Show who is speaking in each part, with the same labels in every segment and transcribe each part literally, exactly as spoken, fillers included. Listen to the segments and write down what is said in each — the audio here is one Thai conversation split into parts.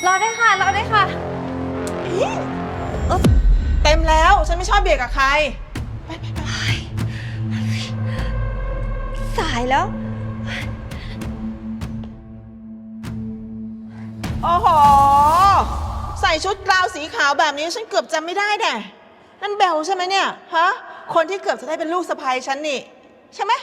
Speaker 1: รอได้ค่ะรอได้ค่ะ
Speaker 2: เต็มแล้วฉันไม่ชอบเบียดกับใครไปไปไป
Speaker 1: สายแล้ว
Speaker 2: โอ้โหใส่ชุดกราวสีขาวแบบนี้ฉันเกือบจำไม่ได้แน่นั่นเบลใช่ไหมเนี่ยฮะคนที่เกือบจะได้เป็นลูกสะใภ้ฉันนี่ใช่ไหม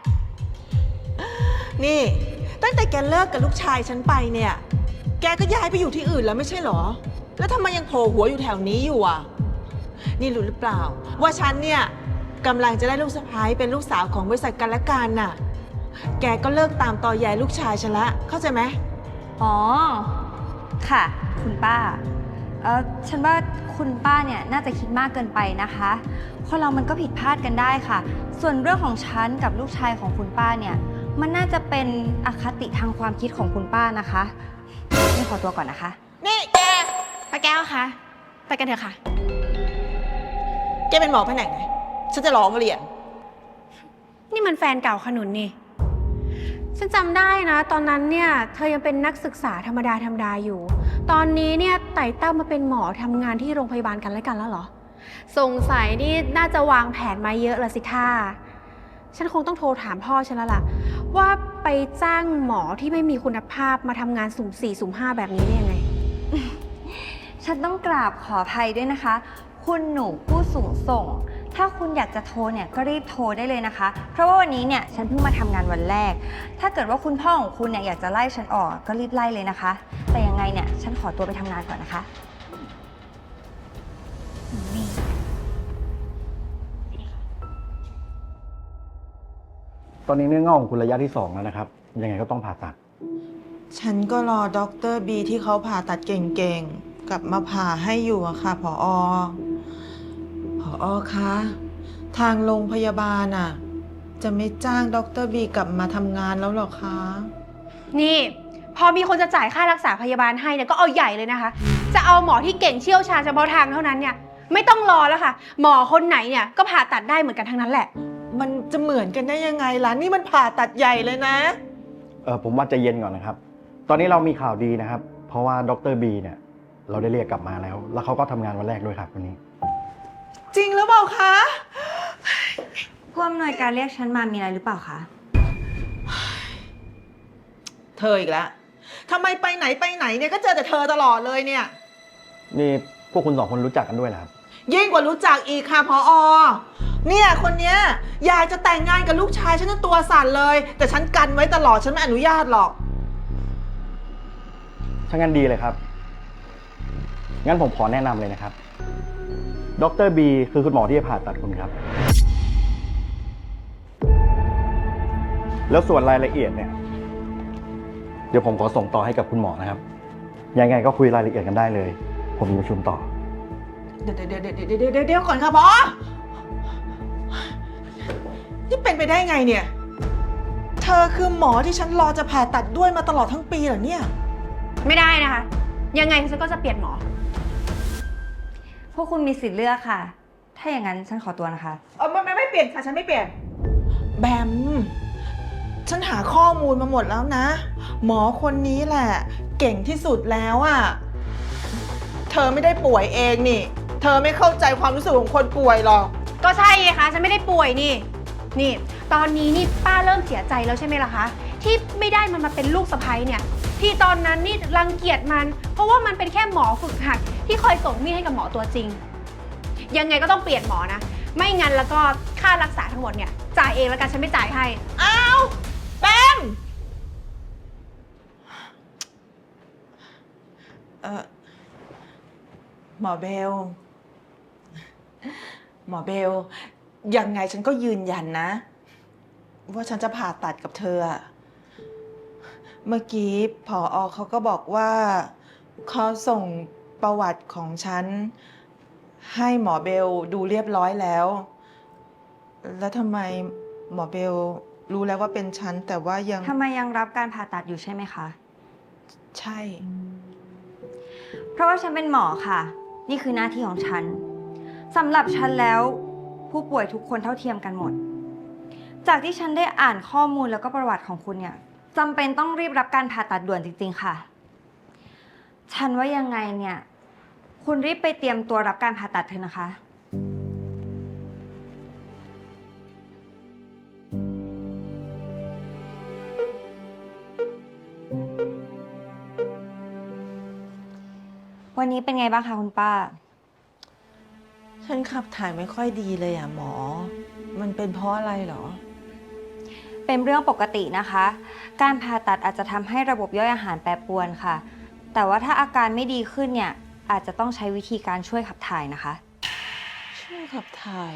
Speaker 2: นี่ตั้งแต่แกเลิกกับลูกชายฉันไปเนี่ยแกก็ย้ายไปอยู่ที่อื่นแล้วไม่ใช่เหรอแล้วทำไมยังโผล่หัวอยู่แถวนี้อยู่อ่ะนี่รู้หรือเปล่าว่าฉันเนี่ยกำลังจะได้ลูกสะใภ้เป็นลูกสาวของบริษัทกันและกันน่ะแกก็เลิกตามตอแยลูกชายฉันละเข้าใจไหม
Speaker 1: อ๋อค่ะคุณป้าเออฉันว่าคุณป้าเนี่ยน่าจะคิดมากเกินไปนะคะคนเรามันก็ผิดพลาดกันได้ค่ะส่วนเรื่องของฉันกับลูกชายของคุณป้าเนี่ยมันน่าจะเป็นอคติทางความคิดของคุณป้านะคะนี่ขอตัวก่อนนะคะ
Speaker 2: นี่แก
Speaker 3: ป้าแก้วคะไปกันเถอะค่ะ
Speaker 2: แกเป็นหมอแผนกไหนฉันจะร้องเรียน
Speaker 3: นี่มันแฟนเก่าขนุนนี่ฉันจำได้นะตอนนั้นเนี่ยเธอยังเป็นนักศึกษาธรรมดาธรรมดาอยู่ตอนนี้เนี่ยไต่เต้ามาเป็นหมอทำงานที่โรงพยาบาลกันแล้วกันแล้วเหรอสงสัยนี่น่าจะวางแผนมาเยอะละสิท่าฉันคงต้องโทรถามพ่อฉันแล้วล่ะว่าไปจ้างหมอที่ไม่มีคุณภาพมาทำงานสุ่มสี่สุ่มห้าแบบนี้ได้ยังไง
Speaker 1: ฉันต้องกราบขออภัยด้วยนะคะคุณหนูผู้สูงส่งถ้าคุณอยากจะโทรเนี่ยก็รีบโทรได้เลยนะคะเพราะว่าวันนี้เนี่ยฉันเพิ่งมาทำงานวันแรกถ้าเกิดว่าคุณพ่อของคุณเนี่ยอยากจะไล่ฉันออกก็รีบไล่เลยนะคะแต่ยังไงเนี่ยฉันขอตัวไปทำงานก่อนนะคะนี่
Speaker 4: ตอนนี้เนื้องอกของคุณระยะที่สองแล้วนะครับยังไงก็ต้องผ่าตัด
Speaker 2: ฉันก็รอด็อกเตอร์บีที่เขาผ่าตัดเก่งๆกลับมาผ่าให้อยู่อะค่ะผอผอคะทางโรงพยาบาลอะจะไม่จ้างด็อกเตอร์บีกลับมาทำงานแล้วหรอคะ
Speaker 3: นี่พอมีคนจะจ่ายค่ารักษาพยาบาลให้เนี่ยก็เอาใหญ่เลยนะคะจะเอาหมอที่เก่งเชี่ยวชาญเฉพาะทางเท่านั้นเนี่ยไม่ต้องรอแล้วค่ะหมอคนไหนเนี่ยก็ผ่าตัดได้เหมือนกันทั้งนั้นแหละ
Speaker 2: มันจะเหมือนกันได้ยังไงล่ะนี่มันผ่าตัดใหญ่เลยนะ
Speaker 4: เออผมว่าใจเย็นก่อนนะครับตอนนี้เรามีข่าวดีนะครับเพราะว่าดรบีเนี่ยเราได้เรียกกลับมาแล้วแล้วเขาก็ทำงานวันแรกด้วยครับวันนี้
Speaker 2: จริงหรือเปล่าคะ
Speaker 1: ผู้อำนวยการเรียกฉันมามีอะไรหรือเปล่าคะ
Speaker 2: เธออีกแล้วทำไมไปไหนไปไหนเนี่ยก็เจอแต่เธอตลอดเลยเนี่ย
Speaker 4: นี่พวกคุณสองคนรู้จักกันด้วยเหรอครับ
Speaker 2: ยิ่งกว่ารู้จักอีกค่ะพออเนี่ยคนเนี้ยอยากจะแต่งงานกับลูกชายฉันจนตัวสั่นเลยแต่ฉันกันไว้ตลอดฉันไม่อนุญาตหรอก
Speaker 4: ถ้างั้นดีเลยครับงั้นผมขอแนะนำเลยนะครับดรบีคือคุณหมอที่จะผ่าตัดคุณครับแล้วส่วนรายละเอียดเนี่ยเดี๋ยวผมขอส่งต่อให้กับคุณหมอนะครับยังไงก็คุยรายละเอียดกันได้เลยผมมีประชุมต่อ
Speaker 2: เดี๋ยวเดี๋ยวเดี๋ยวเดี๋ยวเดี๋ยวเดี๋ยวก่อนค่ะพอนี่เป็นไปได้ไงเนี่ยเธอคือหมอที่ฉันรอจะผ่าตัดด้วยมาตลอดทั้งปีเหรอเนี่ย
Speaker 3: ไม่ได้นะคะยังไงฉันก็จะเปลี่ยนหมอ
Speaker 1: พวกคุณมีสิทธิ์เลือกค่ะถ้าอย่างนั้นฉันขอตัวนะคะ
Speaker 2: เออไม่ไม่ไม่เปลี่ยนค่ะฉันไม่เปลี่ยนแบมฉันหาข้อมูลมาหมดแล้วนะหมอคนนี้แหละเก่งที่สุดแล้วอะเธอไม่ได้ป่วยเองนี่เธอไม่เข้าใจความรู้สึกของคนป่วยหรอก
Speaker 3: ก็ใช่ไงคะฉันไม่ได้ป่วยนี่นี่ตอนนี้นี่ป้าเริ่มเสียใจแล้วใช่ไหมล่ะคะที่ไม่ได้มันมาเป็นลูกสะใภ้เนี่ยที่ตอนนั้นนี่รังเกียจมันเพราะว่ามันเป็นแค่หมอฝึกหัดที่คอยส่งมีดให้กับหมอตัวจริงยังไงก็ต้องเปลี่ยนหมอนะไม่งั้นแล้วก็ค่ารักษาทั้งหมดเนี่ยจ่ายเองแล้วกันฉันไม่จ่ายให้
Speaker 2: อ้าวแบมเออหมอเบลหมอเบลยังไงฉันก็ยืนยันนะว่าฉันจะผ่าตัดกับเธอเมื่อกี้ผอ.เขาก็บอกว่าเขาส่งประวัติของฉันให้หมอเบลดูเรียบร้อยแล้วแล้วทำไมหมอเบลรู้แล้วว่าเป็นฉันแต่ว่ายัง
Speaker 1: ทำไมยังรับการผ่าตัดอยู่ใช่ไหมคะ
Speaker 2: ใช่
Speaker 1: เพราะว่าฉันเป็นหมอค่ะนี่คือหน้าที่ของฉันสำหรับฉันแล้วผู้ป่วยทุกคนเท่าเทียมกันหมดจากที่ฉันได้อ่านข้อมูลแล้วก็ประวัติของคุณเนี่ยจำเป็นต้องรีบรับการผ่าตัดด่วนจริงๆค่ะฉันว่ายังไงเนี่ย คุณรีบไปเตรียมตัวรับการผ่าตัดเถอะนะคะ วันนี้เป็นไงบ้างคะคุณป้า
Speaker 2: ฉันขับถ่ายไม่ค่อยดีเลยอ่ะหมอ มันเป็นเพราะอะไรเหรอ
Speaker 1: เป็นเรื่องปกตินะคะ การผ่าตัดอาจจะทำให้ระบบย่อยอาหารแปรปรวนค่ะ แต่ว่าถ้าอาการไม่ดีขึ้นเนี่ย อาจจะต้องใช้วิธีการช่วยขับถ่ายนะคะ
Speaker 2: ช่วยขับถ่าย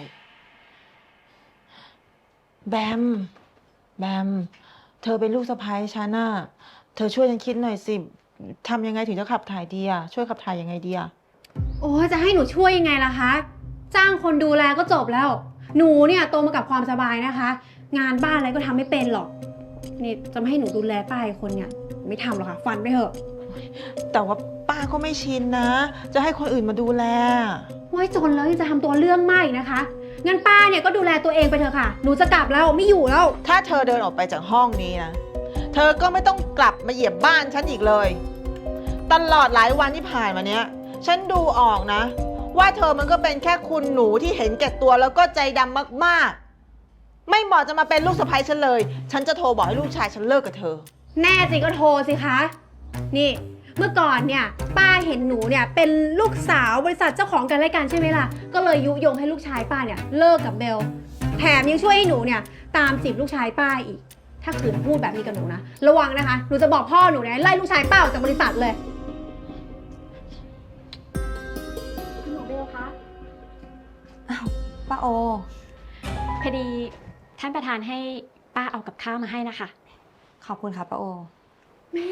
Speaker 2: แบม แบม เธอเป็นลูกสะใภ้ฉันน่ะ เธอช่วยฉันคิดหน่อยสิทำยังไงถึงจะขับถ่ายดีอ่ะ ช่วยขับถ่ายยังไงดีอ่ะ
Speaker 3: โอ้จะให้หนูช่วยยังไงล่ะคะ จ้างคนดูแลก็จบแล้ว หนูเนี่ยโตมากับความสบายนะคะ งานบ้านอะไรก็ทำไม่เป็นหรอก นี่จะไม่ให้หนูดูแลป้าอีกคนเนี่ยไม่ทำหรอกค่ะ ฟันไปเถอะ
Speaker 2: แต่ว่าป้าก็ไม่ชินนะ จะให้คนอื่นมาดูแล
Speaker 3: ว้ายจนแล้วยังจะทำตัวเรื่องมากอีกนะคะ งั้นป้าเนี่ยก็ดูแลตัวเองไปเถอะค่ะ หนูจะกลับแล้วไม่อยู่แล้ว
Speaker 2: ถ้าเธอเดินออกไปจากห้องนี้นะ เธอก็ไม่ต้องกลับมาเหยียบบ้านฉันอีกเลย ตลอดหลายวันที่ผ่านมาเนี้ย ฉันดูออกนะ ว่าเธอมันก็เป็นแค่คุณหนูที่เห็นแก่ตัวแล้วก็ใจดำมากๆ ไม่เหมาะจะมาเป็นลูกสะใภ้ฉันเลย ฉันจะโทรบอกให้ลูกชายฉันเลิกกับเธอ
Speaker 3: แน่จริงก็โทรสิคะ นี่เมื่อก่อนเนี่ยป้าเห็นหนูเนี่ยเป็นลูกสาวบริษัทเจ้าของกันและกันใช่ไหมล่ะ ก็เลยยุยงให้ลูกชายป้าเนี่ยเลิกกับเบล แถมยังช่วยให้หนูเนี่ยตามจีบลูกชายป้าอีก ถ้าขืนพูดแบบนี้กับหนูนะ ระวังนะคะ หนูจะบอกพ่อหนูเนี่ยไล่ลูกชายป้าออกจากบริษัทเลยคุณหนูเบลคะ
Speaker 1: ป้าโอ
Speaker 5: พอดีท่านประธานให้ป้าเอากับข้าวมาให้นะคะ
Speaker 1: ขอบคุณค่ะป้าโอ
Speaker 3: แม่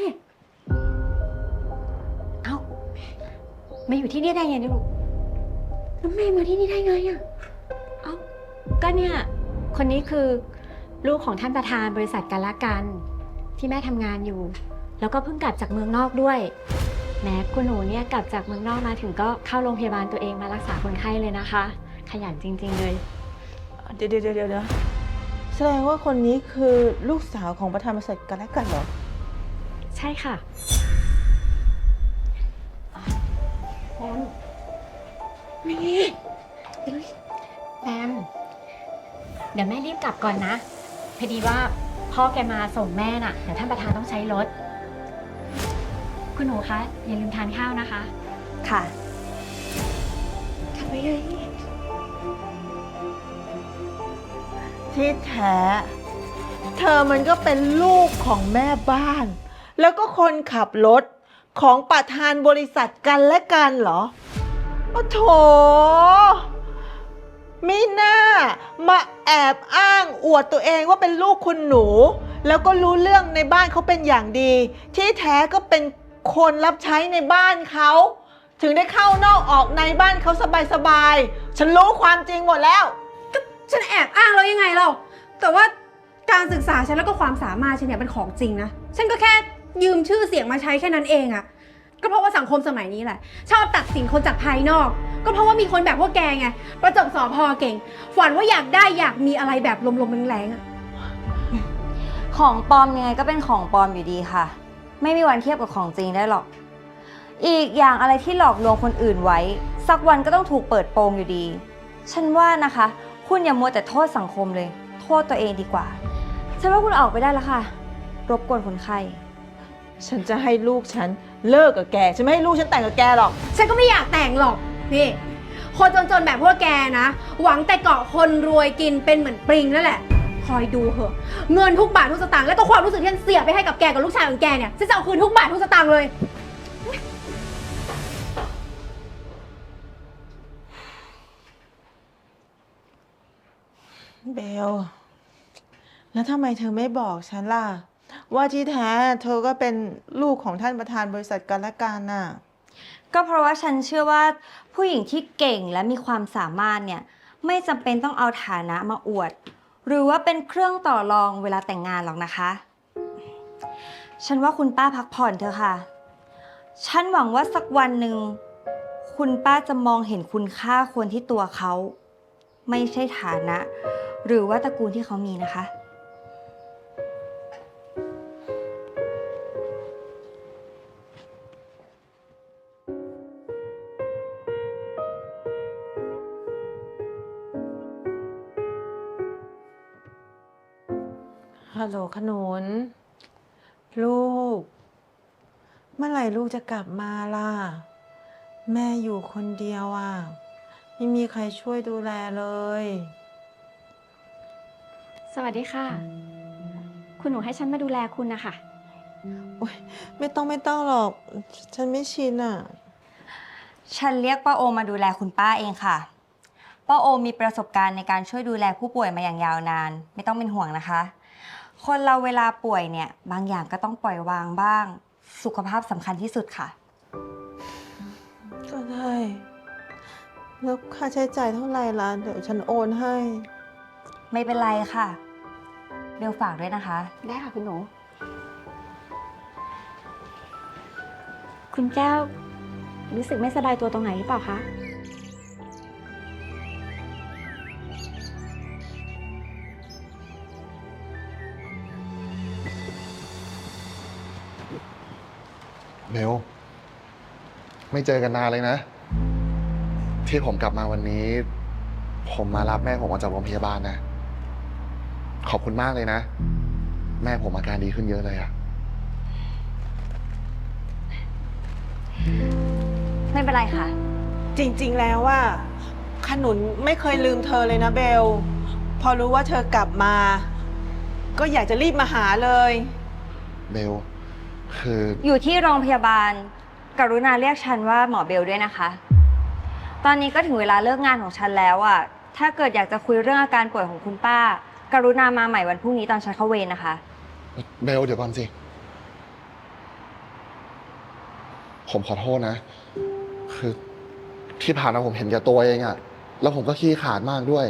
Speaker 1: เอ้ามาอยู่ที่นี่ได้ไงเนี่ยลูก
Speaker 3: แล้วแม่มาที่นี่ได้ไงอะ
Speaker 5: เอ้า ก็เนี่ย คนนี้คือลูกของท่านประธานบริษัทกันละกันที่แม่ทำงานอยู่ แล้วก็เพิ่งกลับจากเมืองนอกด้วยแม้คุณหนูเนี่ยกลับจากเมืองนอกมาถึงก็เข้าโรงพยาบาลตัวเองมารักษาคนไข้เลยนะคะ ขยันจริงๆเลย
Speaker 2: เดี๋ยวเดี๋ยวเดี๋ยวแสดงว่าคนนี้คือลูกสาวของประธานบริษัทกันและกันเหรอ
Speaker 5: ใช่ค่ะ
Speaker 3: แอม
Speaker 5: แบม เดี๋ยวแม่รีบกลับก่อนนะ พอดีว่าพ่อแกมาส่งแม่น่ะ เดี๋ยวท่านประธานต้องใช้รถ คุณหนูคะ อย่าลืมทานข้าวนะคะ
Speaker 1: ค่ะ
Speaker 3: กลับไปเลย
Speaker 2: ที่แท้ เธอมันก็เป็นลูกของแม่บ้าน แล้วก็คนขับรถของประธานบริษัทกันและกันเหรอโอ้โถมิน่ามาแอบอ้างอวดตัวเองว่าเป็นลูกคุณหนู แล้วก็รู้เรื่องในบ้านเขาเป็นอย่างดี ที่แท้ก็เป็นคนรับใช้ในบ้านเขา ถึงได้เข้านอกออกในบ้านเขาสบายๆ ฉันรู้ความจริงหมดแล้ว
Speaker 3: ฉันแอบอ้างแล้วยังไงเราแต่ว่าการศึกษาฉันแล้วก็ความสามารถฉันเนี่ยเป็นของจริงนะ ฉันก็แค่ยืมชื่อเสียงมาใช้แค่นั้นเองอะก็เพราะว่าสังคมสมัยนี้แหละ ชอบตัดสินคนจากภายนอก ก็เพราะว่ามีคนแบบพวกแกไง ประจบสอพอเก่ง ฝันว่าอยากได้อยากมีอะไรแบบลมๆแรงๆอะ
Speaker 1: ของปลอมยังไงก็เป็นของปลอมอยู่ดีค่ะ ไม่มีวันเทียบกับของจริงได้หรอก อีกอย่างอะไรที่หลอกลวงคนอื่นไว้ สักวันก็ต้องถูกเปิดโปงอยู่ดี ฉันว่านะคะ คุณอย่ามัวแต่โทษสังคมเลย โทษตัวเองดีกว่า ฉันว่าคุณออกไปได้แล้วค่ะ รบกวนคนไข้
Speaker 2: ฉันจะให้ลูกฉันเลิกกับแก ฉันไม่ให้ลูกฉันแต่งกับแกหรอก
Speaker 3: ฉันก็ไม่อยากแต่งหรอก นี่ คนจนๆแบบพวกแกนะ หวังแต่เกาะคนรวยกินเป็นเหมือนปริงนั่นแหละ คอยดูเหอะ เงินทุกบาททุกสตางค์และก็ความรู้สึกที่ฉันเสียไปให้กับแกกับลูกชายของแกเนี่ย ฉันจะเอาคืนทุกบาททุกสตางค์เลย
Speaker 2: เบล แล้วทำไมเธอไม่บอกฉันล่ะ ว่าที่แท้เธอก็เป็นลูกของท่านประธานบริษัทกันและกันน่ะ
Speaker 1: ก็เพราะว่าฉันเชื่อว่าผู้หญิงที่เก่งและมีความสามารถเนี่ยไม่จำเป็นต้องเอาฐานะมาอวด หรือว่าเป็นเครื่องต่อรองเวลาแต่งงานหรอกนะคะ ฉันว่าคุณป้าพักผ่อนเถอะค่ะ ฉันหวังว่าสักวันหนึ่งคุณป้าจะมองเห็นคุณค่าคนที่ตัวเขา ไม่ใช่ฐานะ หรือว่าตระกูลที่เขามีนะคะ
Speaker 2: ฮัลโหลขนุน ลูก เมื่อไหร่ลูกจะกลับมาล่ะ แม่อยู่คนเดียวอ่ะ ไม่มีใครช่วยดูแลเลย
Speaker 5: สวัสดีค่ะ คุณหนูให้ฉันมาดูแลคุณนะคะ
Speaker 2: โอ๊ยไม่ต้องไม่ต้องหรอก ฉันไม่ชินอ่ะ
Speaker 1: ฉันเรียกป้าโอมาดูแลคุณป้าเองค่ะป้าโอมีประสบการณ์ในการช่วยดูแลผู้ป่วยมาอย่างยาวนาน ไม่ต้องเป็นห่วงนะคะ คนเราเวลาป่วยเนี่ยบางอย่างก็ต้องปล่อยวางบ้าง สุขภาพสำคัญที่สุดค่ะ
Speaker 2: ก็ได้ แล้วค่าใช้จ่ายเท่าไหร่ล่ะ เดี๋ยวฉันโอนให้
Speaker 1: ไม่เป็นไรค่ะเบลฝากด้วยนะคะ
Speaker 5: ได้ค่ะคุณหนู คุณแก้วรู้สึกไม่สบายตัวตรงไหนหรือเปล่าคะ
Speaker 6: เบลไม่เจอกันนานเลยนะ ที่ผมกลับมาวันนี้ ผมมารับแม่ผมออกจากโรงพยาบาลนะ ขอบคุณมากเลยนะ แม่ผมอาการดีขึ้นเยอะเลยอะ
Speaker 1: ไม่เป็นไรค่ะ
Speaker 2: จริงๆ แล้วว่าขนุนไม่เคยลืมเธอเลยนะเบล พอรู้ว่าเธอกลับมา ก็อยากจะรีบมาหาเลย
Speaker 6: เบลคือ
Speaker 1: อยู่ที่โรงพยาบาล กรุณาเรียกฉันว่าหมอเบลด้วยนะคะ ตอนนี้ก็ถึงเวลาเลิกงานของฉันแล้วอะถ้าเกิดอยากจะคุยเรื่องอาการป่วยของคุณป้า กรุณามาใหม่วันพรุ่งนี้ตอนฉันเข้าเวรนะคะ
Speaker 6: เบลเดี๋ยวก่อนสิ ผมขอโทษนะ คือที่ผ่านมาผมเห็นแก่ตัวเองอะแล้วผมก็ขี้ขลาดมากด้วย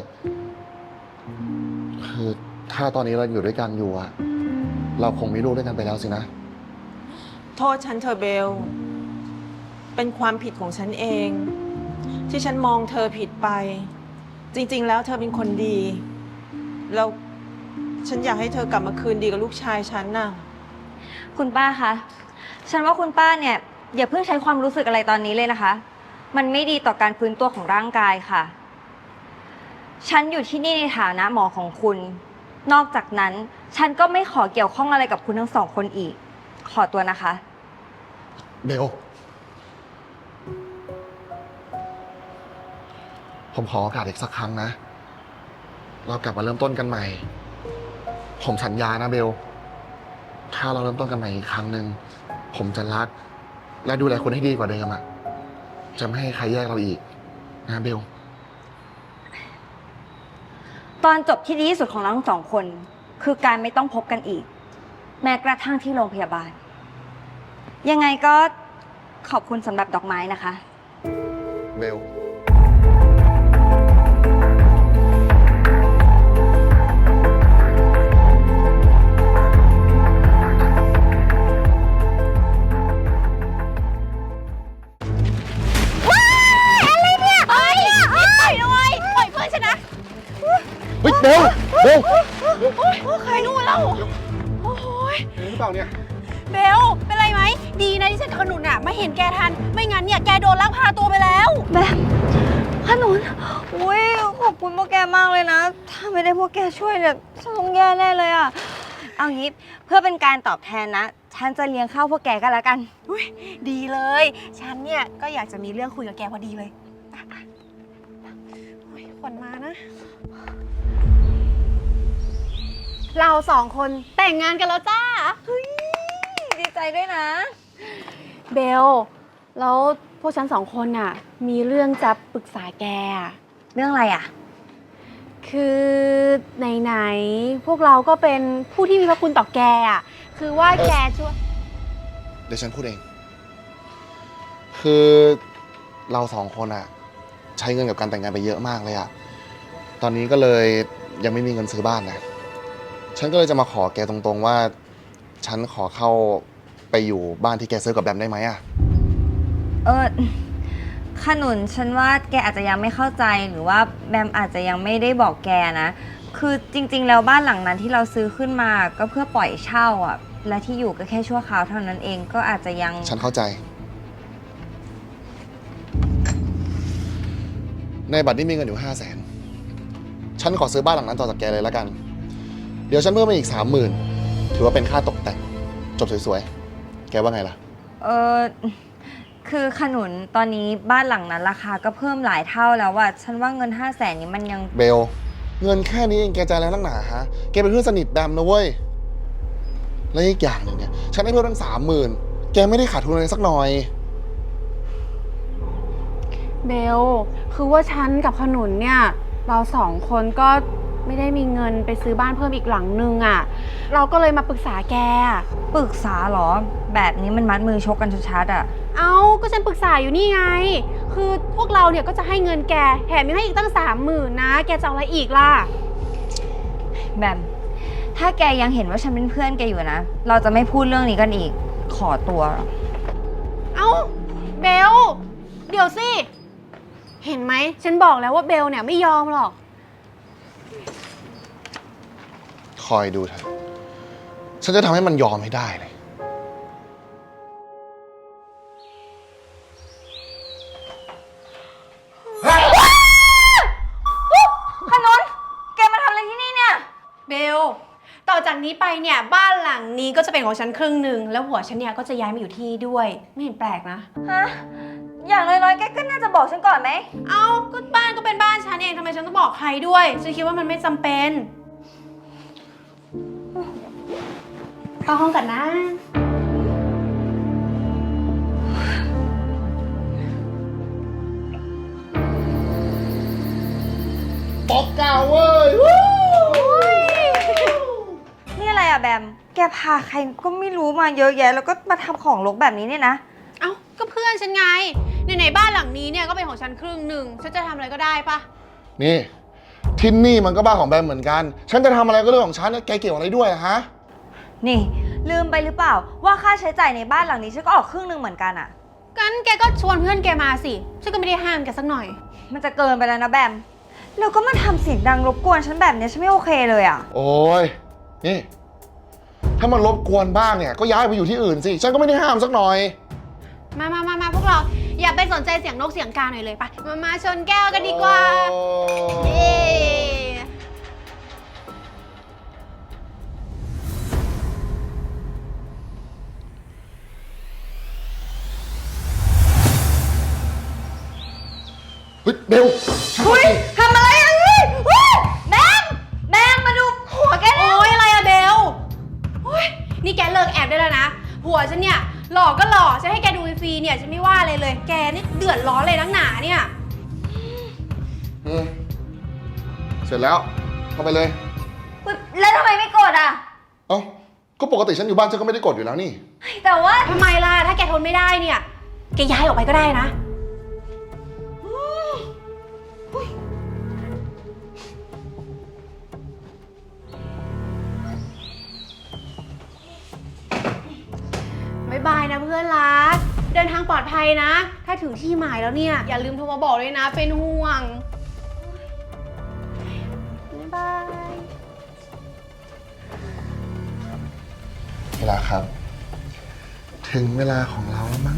Speaker 6: คือถ้าตอนนี้เราอยู่ด้วยกันอยู่อะเราคงมีลูกด้วยกันไปแล้วสินะ
Speaker 2: โทษฉันเธอะเบล เป็นความผิดของฉันเอง ที่ฉันมองเธอผิดไป จริงๆ แล้วเธอเป็นคนดี แล้วฉันอยากให้เธอกลับมาคืนดีกับลูกชายฉันน่ะ
Speaker 1: คุณป้าคะ ฉันว่าคุณป้าเนี่ยอย่าเพิ่งใช้ความรู้สึกอะไรตอนนี้เลยนะคะ มันไม่ดีต่อการฟื้นตัวของร่างกายค่ะ ฉันอยู่ที่นี่ในฐานะหมอของคุณ นอกจากนั้น ฉันก็ไม่ขอเกี่ยวข้องอะไรกับคุณทั้งสองคนอีก ขอตัวนะคะ
Speaker 6: เบล ผมขอโอกาสอีกสักครั้งนะ เรากลับมาเริ่มต้นกันใหม่ ผมสัญญานะเบล ถ้าเราเริ่มต้นกันใหม่อีกครั้งหนึ่ง ผมจะรัก และดูแลคุณให้ดีกว่าเดิมอะจะไม่ให้ใครแยกเราอีกนะเบล
Speaker 1: ตอนจบที่ดีที่สุดของเราทั้งสองคน คือการไม่ต้องพบกันอีก แม้กระทั่งที่โรงพยาบาล ยังไงก็ขอบคุณสำหรับดอกไม้นะคะ
Speaker 6: เบล เฮ้ยเบลเบล
Speaker 3: ใครนู่นเล่าโอ้ย
Speaker 6: เห็นหรือเปล่าเนี่ย
Speaker 3: เบล เป็นไรไหม ดีนะที่ฉันขนุนอะมาเห็นแกทัน ไม่งั้นเนี่ยแกโดนลักพาตัวไปแล้ว
Speaker 1: แบบขนุนอุ้ยขอบคุณพวกแกมากเลยนะ ถ้าไม่ได้พวกแกช่วยเนี่ยฉันต้องแย่แน่เลยอะเอางี้เพื่อเป็นการตอบแทนนะ ฉันจะเลี้ยงข้าวพวกแกกันแล้วกัน
Speaker 3: อุ๊ยดีเลย ฉันเนี่ยก็อยากจะมีเรื่องคุยกับแกพอดีเลยไปไปโอ้ยขวัญมานะ เราสองคนแต่งงานกันแล้วจ้า
Speaker 1: ดีใจด้วยนะ
Speaker 3: เบล แล้วพวกฉันสองคนน่ะ มีเรื่องจะปรึกษาแกอะ
Speaker 1: เรื่องอะไรอะ
Speaker 3: คือไหนๆพวกเราก็เป็นผู้ที่มีพระคุณต่อแกอ่ะ คือว่าแกช่วย
Speaker 6: เดี๋ยวฉันพูดเอง คือเราสองคนอะใช้เงินกับการแต่งงานไปเยอะมากเลยอะตอนนี้ก็เลยยังไม่มีเงินซื้อบ้านนะ ฉันก็เลยจะมาขอแกตรงๆว่า ฉันขอเข้าไปอยู่บ้านที่แกซื้อกับแบมได้ไหมอะ
Speaker 1: เออขนุนฉันว่าแกอาจจะยังไม่เข้าใจหรือว่าแบมอาจจะยังไม่ได้บอกแกนะ คือจริงๆแล้วบ้านหลังนั้นที่เราซื้อขึ้นมาก็เพื่อปล่อยเช่าอ่ะ และที่อยู่ก็แค่ชั่วคราวเท่านั้นเองก็อาจจะยัง
Speaker 6: ฉันเข้าใจ ในบัตรนี้มีเงินอยู่ห้าแสน ฉันขอซื้อบ้านหลังนั้นต่อจากแกเลยแล้วกันเดี๋ยวฉันเพิ่มมาอีกสามหมื่นถือว่าเป็นค่าตกแต่ง จบสวยๆ แกว่าไงล่ะ
Speaker 1: เออคือขนุนตอนนี้บ้านหลังนั้นราคาก็เพิ่มหลายเท่าแล้วอะฉันว่าเงินห้าแสนนี้มันยัง
Speaker 6: เบล เงินแค่นี้เองแกใจแล้วนักหนาฮะ แกเป็นเพื่อนสนิทแบมนะเว้ย และอีกอย่างหนึ่งเนี่ย ฉันให้เพิ่มตั้งสามหมื่นแกไม่ได้ขาดทุนอะไรสักหน่อย
Speaker 3: เบล คือว่าฉันกับขนุนเนี่ย เราสองคนก็ไม่ได้มีเงินไปซื้อบ้านเพิ่มอีกหลังนึงอะ่ะ เราก็เลยมาปรึกษาแก
Speaker 1: ปรึกษาเหรอ แบบนี้มันมัดมือชกกันชัดๆอะ
Speaker 3: เอา ก็ฉันปรึกษาอยู่นี่ไง คือพวกเราเนี่ยก็จะให้เงินแก แถมยังให้อีกตั้งสามหมื่นนะ แกจะเอาอะไรอีกล่ะ
Speaker 1: แบมถ้าแกยังเห็นว่าฉันเป็นเพื่อนแกอยู่นะ เราจะไม่พูดเรื่องนี้กันอีก ขอตัว
Speaker 3: เอ้า เบล เดี๋ยวสิ เห็นไหม ฉันบอกแล้วว่าเบลเนี่ยไม่ยอมหรอก
Speaker 6: คอยดูเถอะ ฉันจะทำให้มันยอมให้ได้เลย
Speaker 1: ขนุนแกมาทำอะไรที่นี่เนี่ย
Speaker 3: เบล ต่อจากนี้ไปเนี่ยบ้านหลังนี้ก็จะเป็นของฉันครึ่งหนึ่งแล้วหัวฉันเนี่ยก็จะย้ายมาอยู่ที่นี่ด้วย ไม่เห็นแปลกนะ
Speaker 1: ฮะ อย่างน้อยๆ แกก็น่าจะบอกฉันก่อนไหม
Speaker 3: เอ้าก็บ้านก็เป็นบ้านฉันเองทำไมฉันต้องบอกใครด้วย ฉันคิดว่ามันไม่จำเป็นเข้าห้องกันนะ
Speaker 6: ปอกเก่าเว้ย
Speaker 1: นี่อะไรอะแบม แกพาใครก็ไม่รู้มาเยอะแยะ แล้วก็มาทำของรกแบบนี้เนี่ยนะ
Speaker 3: เอ้าก็เพื่อนฉันไงไหนๆบ้านหลังนี้เนี่ยก็เป็นของฉันครึ่งหนึ่งฉันจะทำอะไรก็ได้ปะ
Speaker 6: นี่ที่นี่มันก็บ้านของแบมเหมือนกัน ฉันจะทำอะไรก็เรื่องของฉันเนี่ยแกเกี่ยวอะไรด้วยอะฮะ
Speaker 1: นี่ ลืมไปหรือเปล่า ว่าค่าใช้จ่ายในบ้านหลังนี้ฉันก็ออกครึ่งหนึ่งเหมือนกันอะ
Speaker 3: งั้นแกก็ชวนเพื่อนแกมาสิฉันก็ไม่ได้ห้ามแกสักหน่อย
Speaker 1: มันจะเกินไปแล้วนะแบม แล้วก็มาทำเสียงดังรบกวนฉันแบบเนี้ยฉันไม่โอเคเลยอะ
Speaker 6: โอ้ย นี่ ถ้ามันรบกวนบ้างเนี่ย ก็ย้ายไปอยู่ที่อื่นสิ ฉันก็ไม่ได้ห้ามสักหน่อย
Speaker 3: มามามามาพวกเราอย่าไปสนใจเสียงนกเสียงกาหน่อยเลยปะมามาชนแก้วกันดีกว่า เย้
Speaker 6: เฮ้ยเบล
Speaker 1: อุ้ยทำอะไรอะเฮ้ยเฮ้ยแบมแบมมาดูหัวแกเนี่ย
Speaker 3: โอ๊ยอะไรอะเบลโอ๊ยนี่แกเลิกแอบได้แล้วนะ ผัวฉันเนี่ยหลอกก็หลอกฉันให้แกดูฟรีๆเนี่ยฉันไม่ว่าเลยเลย แกนี่เดือดร้อนเลยนักหนาเนี่ย
Speaker 6: อืมเสร็จแล้ว เข้าไปเลย
Speaker 1: แล้วทำไมไม่กดอะ
Speaker 6: เอ้า ก็ปกติฉันอยู่บ้านฉันก็ไม่ได้กดอยู่แล้วนี่
Speaker 1: แต่ว่า
Speaker 3: ทำไมล่ะ ถ้าแกทนไม่ได้เนี่ย แกย้ายออกไปก็ได้นะ บ๊ายบายนะเพื่อนรัก เดินทางปลอดภัยนะ ถ้าถึงที่หมายแล้วเนี่ย อย่าลืมโทรมาบอกเลยนะ เป็นห่วง บ๊ายบาย
Speaker 6: เวลาครับ ถึงเวลาของเราแล้วมั้ง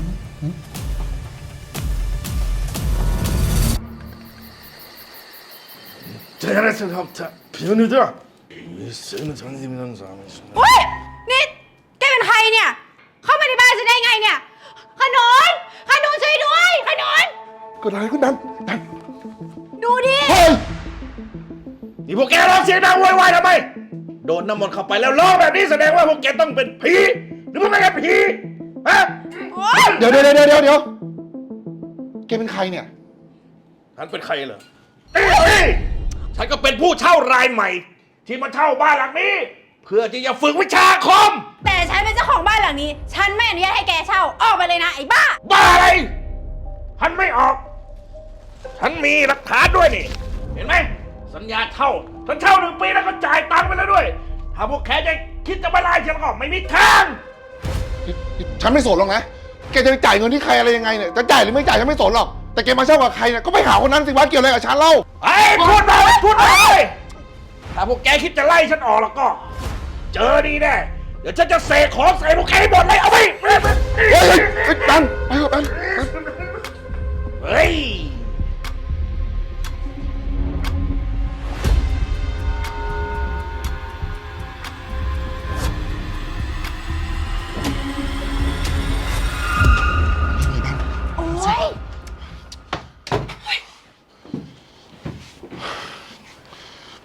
Speaker 7: 잘했습니다. 비오늘들아. 이 쓰는 장님이라는 사람이 있어.
Speaker 3: เฮ้ย นี่แกเป็นใครเนี่ย เข้ามาในบ้านฉันได้ไงเนี่ย ขนนขนนช่วยด้วย ขนน
Speaker 6: เกิดอะไรขึ้นดันดัน
Speaker 3: ดูดิ
Speaker 6: เฮ้ย
Speaker 7: นี่พวกแกร้องเสียงดังโวยวายทำไม โดนน้ำมนต์เข้าไปแล้วร้องแบบนี้แสดงว่าพวกแกต้องเป็นผี หรือพวกแกเป็นผี ฮะ
Speaker 6: เดี๋ยวเดี๋ยวเดี๋ยวเดี๋ยวเดี๋ยวแกเป็นใครเนี่ย
Speaker 7: ฉันเป็นใครเหรอเอ้ยฉันก็เป็นผู้เช่ารายใหม่ ที่มาเช่าบ้านหลังนี้ เพื่อที่จะฝึกวิชาอาคม
Speaker 3: แต่ฉันเป็นเจ้าของบ้านหลังนี้ ฉันไม่อนุญาตให้แกเช่า ออกไปเลยนะไอ้บ้า
Speaker 7: บ้าอะไรฉันไม่ออก ฉันมีหลักฐานด้วยนี่ เห็นไหม สัญญาเช่า ฉันเช่าหนึ่งปีแล้วก็จ่ายตังค์ไปแล้วด้วย ถ้าพวกแกจะคิดจะมาไล่ฉันก็ไม่มีทาง
Speaker 6: ฉันไม่สนหรอกนะ แกจะไปจ่ายเงินที่ใครอะไรยังไงเนี่ย จะจ่ายหรือไม่จ่ายฉันไม่สนหรอก แต่แกมาเช่ากับใครเนี่ย ก็ไปหาคนนั้นสิวะเกี่ยวอะไรกับฉันเล่า
Speaker 7: ไอ้พูดมาพูดมาเลยถ้าพวกแกคิดจะไล่ฉันออกแล้วก็ เจอดีแน่ เดี๋ยวฉันจะเสกของใส่พวกแกให้หมดเลย เอาไป
Speaker 6: เฮ้ยเฮ้ยเฮ้ยดันไปเถอะดัน
Speaker 7: เฮ้ย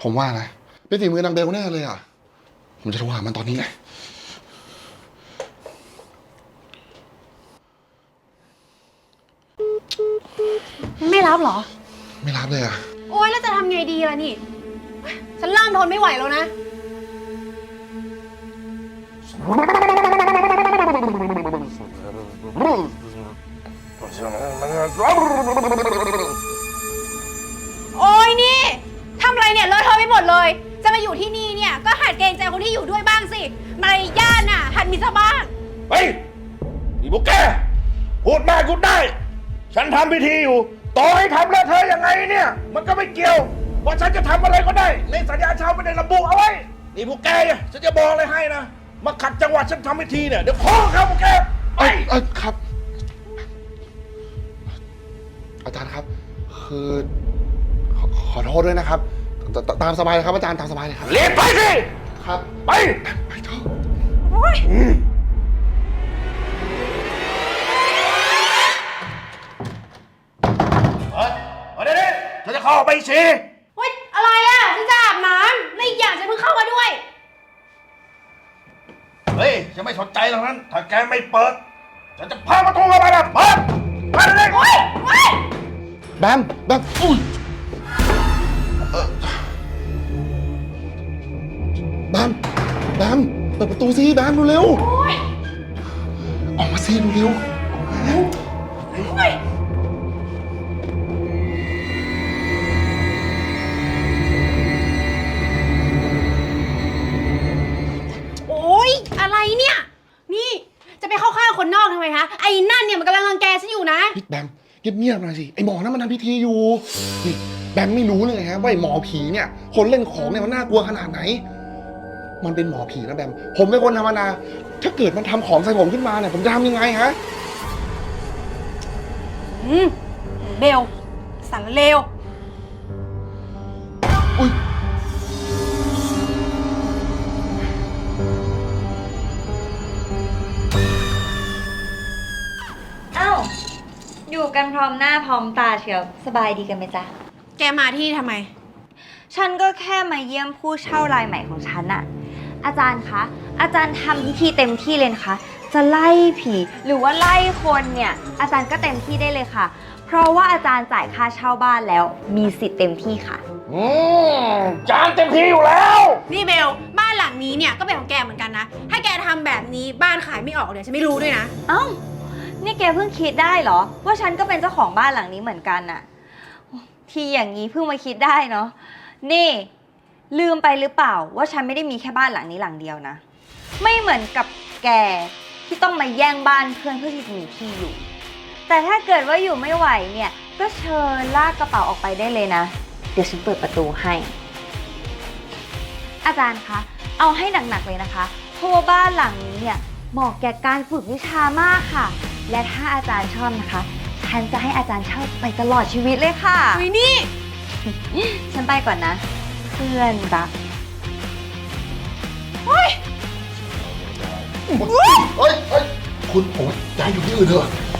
Speaker 6: ผมว่านะเป็นฝีมือนางเบลแน่เลยอ่ะ ผมจะโทรหามันตอนนี้เลย
Speaker 3: ไม่รับเหรอ
Speaker 6: ไม่รับเลยอ่ะ
Speaker 3: โอ๊ย แล้วจะทำไงดีล่ะนี่ ฉันเริ่มทนไม่ไหวแล้วนะ โอ๊ยนี่ทำอะไรเนี่ยเลอะเทอะไปหมดเลย จะมาอยู่ที่นี่เนี่ยก็หัดเกรงใจคนที่อยู่ด้วยบ้างสิมารยาทน่ะหัดมีซะบ้าง
Speaker 7: เฮ้ยนี่พวกแกพูดมากกูได้ ฉันทำพิธีอยู่ ต่อให้ทำแล้วเธอยังไงเนี่ย มันก็ไม่เกี่ยวว่าฉันจะทำอะไรก็ได้ ในสัญญาเช่าไม่ได้ระบุเอาไว้ นี่พวกแกเนี่ยฉันจะบอกอะไรให้นะ มาขัดจังหวะฉันทำพิธีเนี่ย เดี๋ยวขอครับพวกแกไป
Speaker 6: เอ้ยเอ้ยครับ อาจารย์ครับ คือขอขอโทษด้วยนะครับตตตามสบายเลยครับอาจารย์ตามสบายเลยครับ
Speaker 7: เรียนไปสิ
Speaker 6: ครับ
Speaker 7: ไป
Speaker 6: ไปเถอะ
Speaker 7: เฮ้ยเดี๋ยวนี้ฉันจะเข้าไปสิ
Speaker 3: เฮ้ย อะไรอ่ะ ฉันจะอาบน้ำและอีกอย่างฉันเพิ่งเข้ามาด้วย
Speaker 7: เฮ้ยฉันไม่สนใจตรงนั้น ถ้าแกไม่เปิด ฉันจะพาประตูเข้าไปนะเปิดเปิดเลย
Speaker 3: เฮ้ยเฮ้ย
Speaker 6: แบมแบมอุ้ยเอ่อแบมแบมเปิดประตูสิแบมเร็วๆออกมาสิเร็วๆออกมา
Speaker 3: เฮ้ย โอ๊ย อะไรเนี่ย นี่ จะไปเข้าข้างคนนอกทำไมคะ ไอ้นั่นเนี่ยมันกำลังรังแกฉันอยู่นะ
Speaker 6: พี่แบมเงียบๆหน่อยสิไอหมอนั่นมันทำพิธีอยู่นี่แบมไม่รู้เลยฮะว่าไอหมอผีเนี่ยคนเล่นของเนี่ยมันน่ากลัวขนาดไหน มันเป็นหมอผีนะแบมผมเป็นคนธรรมดาถ้าเกิดมันทำของใส่ผมขึ้นมาเนี่ยผมจะทำยังไงฮะ
Speaker 3: อืม เบลสารเลว
Speaker 6: อุ้ย
Speaker 1: เอ้า อยู่กันพร้อมหน้าพร้อมตาเชียว สบายดีกันไหมจ๊ะ
Speaker 3: แกมาที่ทำไม
Speaker 1: ฉันก็แค่มาเยี่ยมผู้เช่ารายใหม่ของฉันอะอาจารย์คะ อาจารย์ทำพิธีเต็มที่เลยนะคะ จะไล่ผีหรือว่าไล่คนเนี่ย อาจารย์ก็เต็มที่ได้เลยค่ะ เพราะว่าอาจารย์จ่ายค่าเช่าบ้านแล้ว มีสิทธิ์เต็มที่ค่ะ
Speaker 7: อืมจานเต็มที่อยู่แล้ว
Speaker 3: นี่เบล บ้านหลังนี้เนี่ยก็เป็นของแกเหมือนกันนะ ถ้าแกทำแบบนี้บ้านขายไม่ออกเนี่ยฉันไม่รู้ด้วยนะ
Speaker 1: เอ้า นี่แกเพิ่งคิดได้เหรอ ว่าฉันก็เป็นเจ้าของบ้านหลังนี้เหมือนกันน่ะ ที่อย่างนี้เพิ่งมาคิดได้เนาะ นี่ ลืมไปหรือเปล่าว่าฉันไม่ได้มีแค่บ้านหลังนี้หลังเดียวนะ ไม่เหมือนกับแกที่ต้องมาแย่งบ้านเพื่อนเพื่อที่จะมีที่อยู่ แต่ถ้าเกิดว่าอยู่ไม่ไหวเนี่ย ก็เชิญลากกระเป๋าออกไปได้เลยนะ เดี๋ยวฉันเปิดประตูให้ อาจารย์คะ เอาให้หนักๆเลยนะคะ เพราะว่าบ้านหลังนี้เนี่ยเหมาะแก่การฝึกวิชามากค่ะ และถ้าอาจารย์ชอบนะคะ ฉันจะให้อาจารย์เช่าไปตลอดชีวิตเลยค่ะ
Speaker 3: อุ้ยนี่
Speaker 1: ฉันไปก่อนนะ เพื่อนรัก
Speaker 6: เฮ้ยเฮ้ยคุณผมว่าย้ายอยู่ที่อื่นเถอะ